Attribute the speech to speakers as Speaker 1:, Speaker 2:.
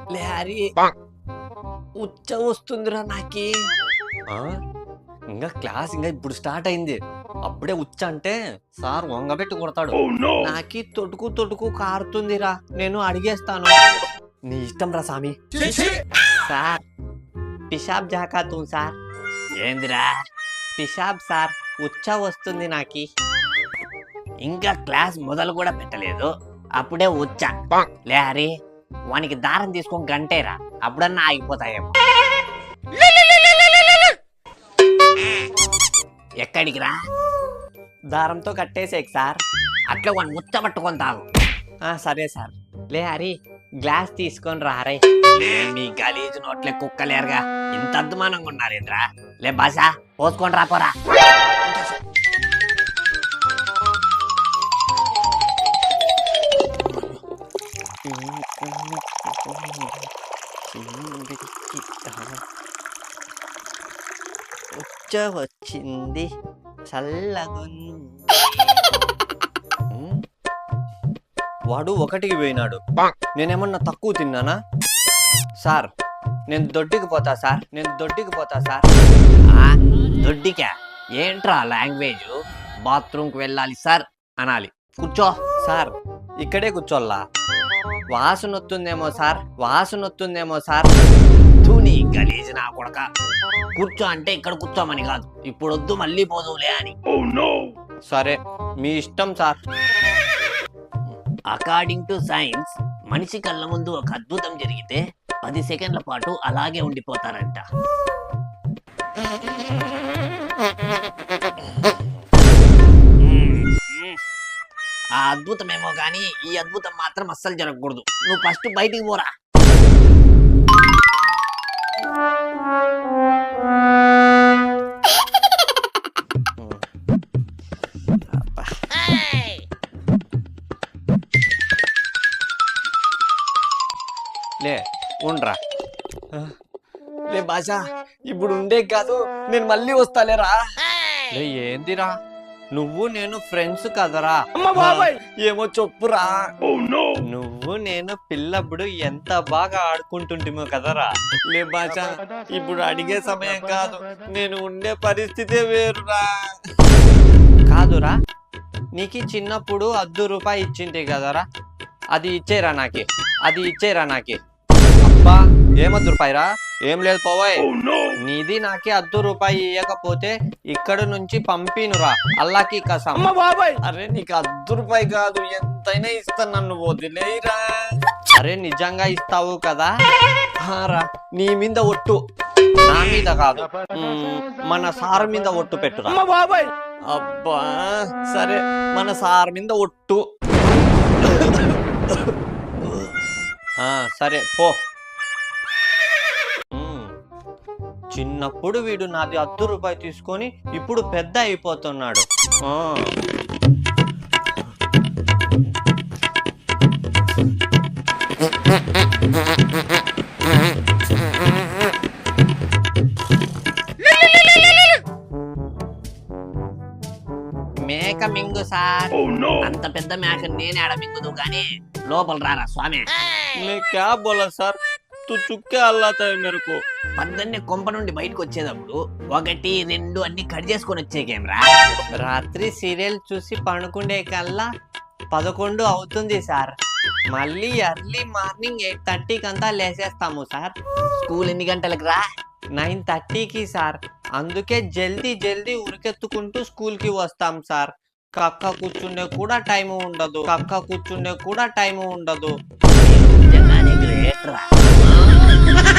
Speaker 1: లే హరి, ఉచ్చ వస్తుందిరా నాకి.
Speaker 2: ఇంకా క్లాస్ ఇంకా ఇప్పుడు స్టార్ట్ అయింది, అప్పుడే ఉచ్చ అంటే సార్ వంగబెట్టి కొడతాడు.
Speaker 1: నాకి తొడుకు కారుతుందిరా, నేను అడిగేస్తాను.
Speaker 2: నీ ఇష్టం రా సామి.
Speaker 1: సార్ పిషాబ్ జాకాతూ సార్.
Speaker 2: ఏందిరా?
Speaker 1: పిషాబ్ సార్, ఉచ్చ వస్తుంది నాకి.
Speaker 2: ఇంకా క్లాస్ మొదలు కూడా పెట్టలేదు, అప్పుడే ఉచ్చ.
Speaker 1: లే హరి, వానికి దారం తీసుకొని గంటేరా, అప్పుడన్నా ఆగిపోతాయేమో.
Speaker 2: ఎక్కడికి రా?
Speaker 1: దారంతో కట్టేసేకి సార్.
Speaker 2: అట్లా వాడిని ముచ్చ పట్టుకొని తాగు.
Speaker 1: సరే సార్. లే హరి, గ్లాస్ తీసుకొని రారే.
Speaker 2: మీ గలీజు నోట్లే కుక్కలేరుగా, ఇంత అద్దుమానంగా ఉన్నారేంద్రా? లే బాసా, పోసుకొని రాపోరా.
Speaker 1: ఉచ్చ వచ్చింది, చల్లగుంది.
Speaker 2: వాడు ఒకటికి పోయినాడు, నేనేమన్నా తక్కువ తిన్నానా?
Speaker 1: సార్ నేను దొడ్డికి పోతా సార్, నేను దొడ్డికి పోతా సార్.
Speaker 2: దొడ్డికా? ఏంట్రా లాంగ్వేజ్? బాత్రూమ్కి వెళ్ళాలి సార్ అనాలి. కూర్చో.
Speaker 1: సార్ ఇక్కడే కూర్చోల్లా? వాసన వస్తుందేమో సార్, వాసన వస్తుందేమో సార్.
Speaker 2: తూని గలీజ్ నా కొడక. కూర్చో అంటే ఇక్కడ కూర్చోమని కాదు, ఇప్పుడు వద్దు మళ్ళీ పోదులే అని.
Speaker 1: సరే మీ ఇష్టం సార్.
Speaker 2: అకార్డింగ్ టు సైన్స్, మనిషి కళ్ళ ముందు ఒక అద్భుతం జరిగితే 10 సెకండ్ల పాటు అలాగే ఉండిపోతారంట. ఆ అద్భుతమేమో గానీ ఈ అద్భుతం మాత్రం అస్సలు జరగకూడదు. నువ్వు ఫస్ట్ బయటికి పోరా.
Speaker 1: లే ఉండ్రా. లే బాషా, ఇప్పుడు ఉండే కాదు, నేను మళ్ళీ వస్తాలేరా. లే ఏందిరా, నువ్వు నేను ఫ్రెండ్స్ కదరా. ఏమో చెప్పురా. నువ్వు నేను పిల్లప్పుడు ఎంత బాగా ఆడుకుంటుంటేమో కదరా. లే బాషా, ఇప్పుడు అడిగే సమయం కాదు, నేను ఉండే పరిస్థితే వేరురా. కాదురా, నీకు చిన్నప్పుడు ₹10 ఇచ్చింటే కదరా, అది ఇచ్చేరా నాకి, అది ఇచ్చేరా నాకి. అబ్బా ఏం ₹10రా? ఏం లేదు పోవాయ్. నీది నాకే ₹10 ఇవ్వకపోతే ఇక్కడ నుంచి పంపినురా, అల్లాకి కసం. అరే నీకు ₹10 కాదు, ఎంతైనా ఇస్తా, నన్ను వదిలేరా. అరే నిజంగా ఇస్తావు కదా? రా, నీ మీద ఒట్టు, నా మీద కాదు, మన సార్ మీద ఒట్టు పెట్టురా. అబ్బా సరే, మన సార్ మీద ఒట్టు. సరే పో. చిన్నప్పుడు వీడు నాది ₹10 తీసుకొని ఇప్పుడు పెద్ద అయిపోతున్నాడు.
Speaker 2: మేక మింగు సార్. అంత పెద్ద మేక నేనే ఆడ మింగుదు గానీ లోపల రారా స్వామి.
Speaker 1: క్యా బోలా సార్, తు చుక్కే అల్లాతా మేరకు.
Speaker 2: పొద్దున్నే కొంప నుండి బయటకు వచ్చేటప్పుడు 1, 2 అన్ని కట్ చేసుకొని వచ్చేకేమ్రా.
Speaker 1: రాత్రి సీరియల్ చూసి పడుకుండే కల్లా 11 అవుతుంది సార్. మళ్ళీ ఎర్లీ మార్నింగ్ 8:30కి అంతా లేసేస్తాము సార్.
Speaker 2: స్కూల్ ఎన్ని గంటలకు రా?
Speaker 1: 9:30కి సార్. అందుకే జల్దీ ఉరికెత్తుకుంటూ స్కూల్కి వస్తాం సార్. కక్క కూర్చుండే కూడా టైము ఉండదు, కక్క కూర్చుండే కూడా టైము ఉండదు.
Speaker 2: నిజంగానే గ్రేట్ రా.